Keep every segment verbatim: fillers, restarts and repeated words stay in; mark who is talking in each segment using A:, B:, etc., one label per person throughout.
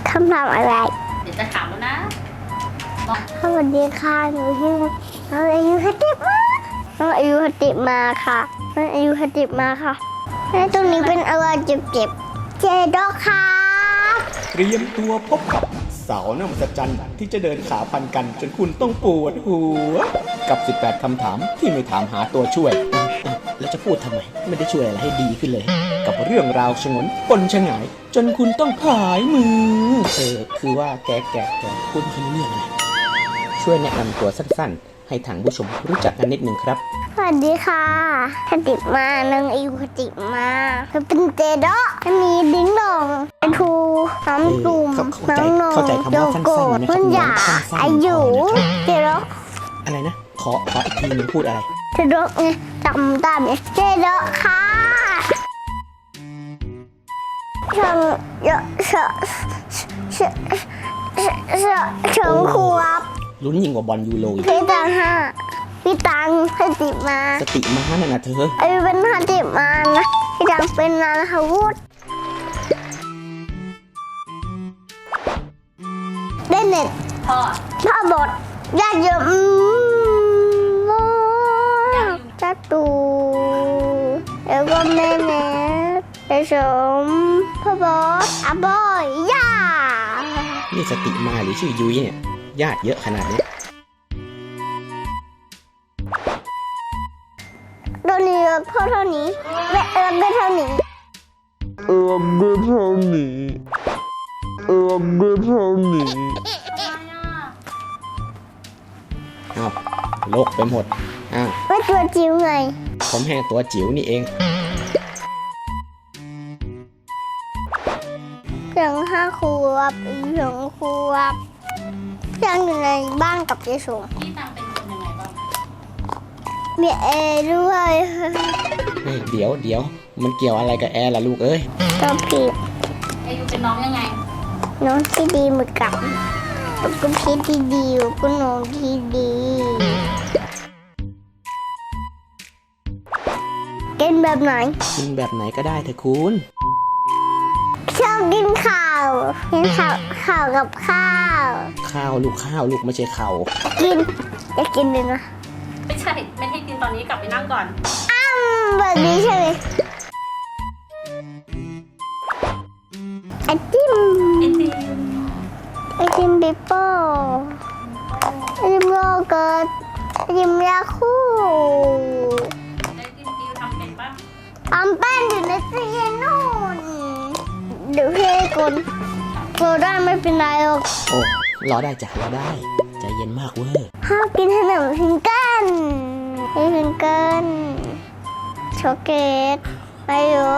A: คำถามอะไร
B: เดี๋ยวจะถามแล้วนะ
A: สวัสดีค่ะหนูชื่อน้องอายุคติมาน้องอายุคติมาค่ะน้องอายุคติมาค่ะแล้วตรงนี้เป็นอะไรเจ็บๆเจดอกค่ะ
C: เตรียมตัวพบกับสาวน้ำสัจจันที่จะเดินขาพันกันจนคุณต้องปวดหัวกับสิบแปดคำถามที่ไม่ถามหาตัวช่วยแล้วจะพูดทำไมไม่ได้ช่วยอะไรให้ดีขึ้นเลยกับเรื่องราวฉงนปนฉงายจนคุณต้องผายมือเออคือว่าแกแกแกพูดไม่รู้เรื่องอะไรช่วยแนะนำตัวสั้นๆให้ทางผู้ชมรู้จักกันนิดนึงครับ
A: สวัสดีค่ะคติมาน้องอายุคติมาคือเป็นเจดอกอันนี้ดิ้งดองเป็นทูน้ำตุ่มน้องนงโยโกะมันหยาอายุเจดอก
C: อะไรนะขอขออีกทีนึงพูดอะไร
A: เจดอกไงจำตามเนี่ยเจดอกค่ะฉันเยอะเชอะเชอะเชอะเฉิงขวบ
C: ลุ้นยิ่งกว่าบอลยูโรอีก
A: พี่ตังห้าพี่ตังคติมา
C: สติมานั่นนะเธอ
A: ไอ้เป็นคติมานะพี่ตังเป็นนาฮาวุฒเล่นเน็ต
B: พ่อ
A: พ่อบทญาติเยอะมากจัตูแล้วก็แม่แม่ไปชมพ่อบอสอาบอยย่า
C: นี่สติมาหรือชื่อยุ้ยเนี่ยญาติเยอะขนาดนี้
A: โดนเยอะเท่าเท่านี้แม่เอิญก็เท่านี้
C: เอิญก็เท่านี้เอิญก็เท่านี้อ้าวโลกไปหมดอ้าว
A: ไม่ตัวจิ๋วไง
C: ผมแห้งตัวจิ๋วนี่เอง
A: เพียงห้าขวบอีกเพียงขวบยังอยู่ในบ้านกับเจสม
B: พี่ตังเป็นคนยังไงบ้าง
A: มีแอร์ด้วย
C: เฮ้ยเดี๋ยวเดี๋ยวมันเกี่ยวอะไรกับแอร์ล่ะลูกเอ้ย
A: ก็ผิด
B: อายุเป็นน้องยังไง
A: น้องที่ดีเหมือนกับก็พี่ที่ดีก็น้องที่ดีกินแบบไหน
C: กินแบบไหนก็ได้เถอะคุณ
A: ชอบกินข้าวกินข้าวข้าวกับข้าว
C: ข้าวลูกข้าวลูกไม่ใช่ข้าว
A: กินจะกินเลยนะ
B: ไม่ใช่ไม่ให้กินตอนนี้กลับไปนั่งก่อน
A: อ้ำแบบนี้ใช่ไหมไอติม
B: ไอติม
A: ไอติมปิโป้ไอติมโยเกิร์ตไอติมยาคู
B: ไอติมติวทำเป็นปะ
A: ทำเป็นอยู่ในตู้เย็นนู่นเดี๋ยวพี่กุลรอได้ไม่เป็นไรหรอก
C: โอ้รอได้จ้ะรอได้ใจเย็นมากเว้ย
A: ห้ามกินขนมพิงเกิลพิงเกิลช็อกโกแลตไปโย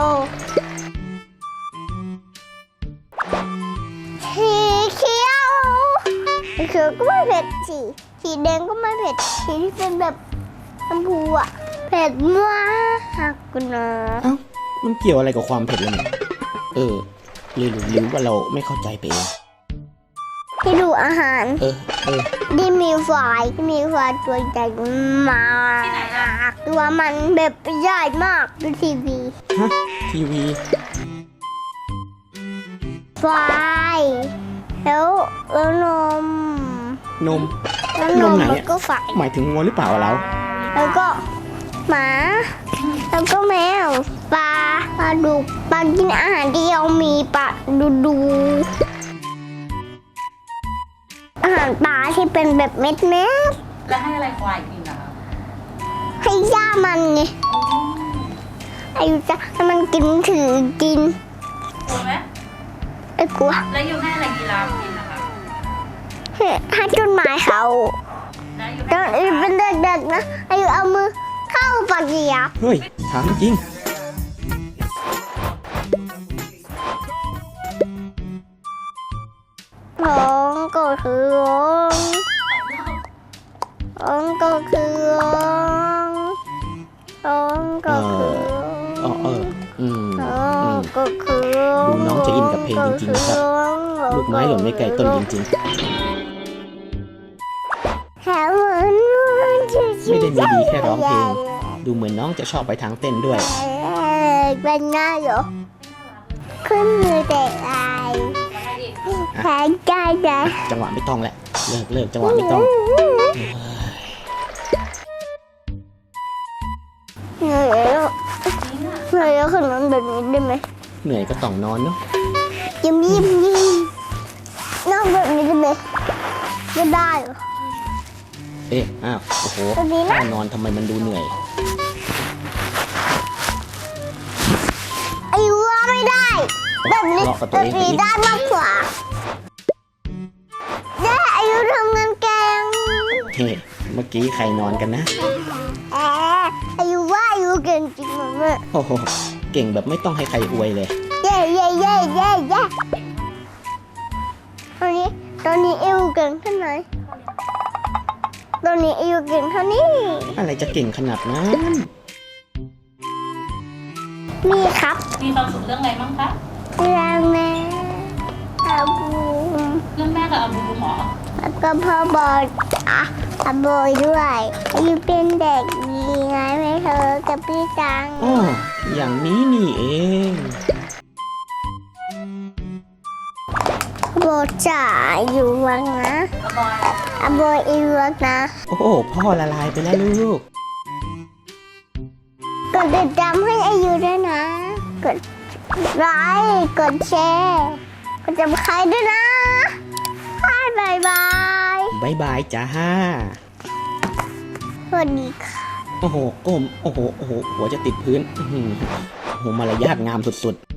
A: สีเขียวสีเขียวก็ไม่เผ็ดสีสีแดงก็ไม่เผ็ดสีที่เป็นแบบชมพูอ่ะเผ็ดมากคุณนะ
C: เอ้ามันเกี่ยวอะไรกับความเผ็ดเลยเนี่ยเออหรือหรือว่าเราไม่เข้าใจไปเอง
A: ที่ดูอาหาร
C: เออเออ
A: ที่มีไฟมีไฟตัวใหญ่มากตัวมันแบบใหญ่มากดูทีวี
C: ฮะทีวี
A: ไฟแล้วแล้วนม
C: นม
A: แล้วนมไหนก็ไฟ
C: หมายถึงงวหรือเปล่าเรา
A: แล้วก็หมาแล้วก็แมวปลาปลาดุกปลากินอาหารที่เรามีปลาดูดูอาหารปลาที่เป็นแบบเม็ดเม็ด
B: แล้วให้อะไรควายกินอ่ะ
A: ให้ย่ามันไงอายุจะให้มันกินถือกิน
B: กลัวไหม
A: ไม่กลัว
B: แล้วยูให้อะไรกีฬากินนะคะ
A: ให้ต้นไม้เขาตอนอายุเป็นเด็กๆนะอายุเอามือเข้าปากเหยียบ
C: เฮ้ยถามจริง
A: ร้องก็คือร้องร้องก็คือร้องร้องก็คือ
C: อ๋อเอออืม
A: ร้องก็คือ
C: ดูน้องจะอินกับเพลงจริงๆครับลูกไม้หล่นไม่ไกลต้นจริงๆไม่ได้มีดีแค่ร้องเพลงดูเหมือนน้องจะชอบไปทางเต้นด้วย
A: เป็นง่ายเหรอขึ้นมือเตะลาย
C: อ
A: แพ้ใจใจ
C: จังหวะไม่ต้องแหละเลิกเลิกจังหวะไม่ต้อง
A: เหนื่อยแล้วเหนื่อยแล้วขนมแบบนี้ได้ไหม
C: เหนื่อยก็ต้องนอนเนาะ
A: ยิ้มยิ้มยิ้มนอนแบบนี้ได้ไหมไม่ได้เหรอ
C: เอ๊ะอ้าวโอ้โห
A: แบบนี้นะ
C: ท่านอนทำไมมันดูเหนื่อย
A: ไอ้ว่าไม่ได้ แบบนี้
C: เลาะกับตัว
A: แบบ
C: เองไป
A: นี้
C: อีก
A: ได้มากกว่าแย่อายุทำงานแกง
C: เฮ้เมื่อกี้ใครนอนกันนะ
A: แอบอายุว่าอายุเก่งจริงเหมือนแม่
C: โอ้โหเก่งแบบไม่ต้องให้ใครอวยเลย
A: เย่เย่เย่เย่เย่ตอนนี้ตอนนี้อายุเก่งเท่าไหร่ตอนนี้อายุเก่งเท่านี้
C: อะไรจะเก่งขนาดนั้น
A: มีครับ
B: มีความสุขเรื่องอะไรบ้างคะ
A: เรื่องแม่อาบู
B: เรื่องแม่กับอาบูหมอ
A: แล้วก็พ่อบอลอ่ะอาบอยด้วยอายุเป็นเด็กดีไงไหมเธอกับพี่จัง
C: อ๋ออย่างนี้นี่เอง
A: โบจ๋าอยู่วังนะ
B: อาบอย
A: อาบอยอีวังนะ
C: โอ้โหพ่อละลายไปแล้วลูก
A: กดติดตามให้อายุด้วยนะ กดไลค์กดแชร์กดจำใครด้วยนะบายบาย
C: บายบายจ้า
A: สวัสดีค่ะ
C: โอ้โหก้มโอ้โหโอ้โหหัวจะติดพื้นอื้อหือโอ้โหมารยาทงามสุดๆ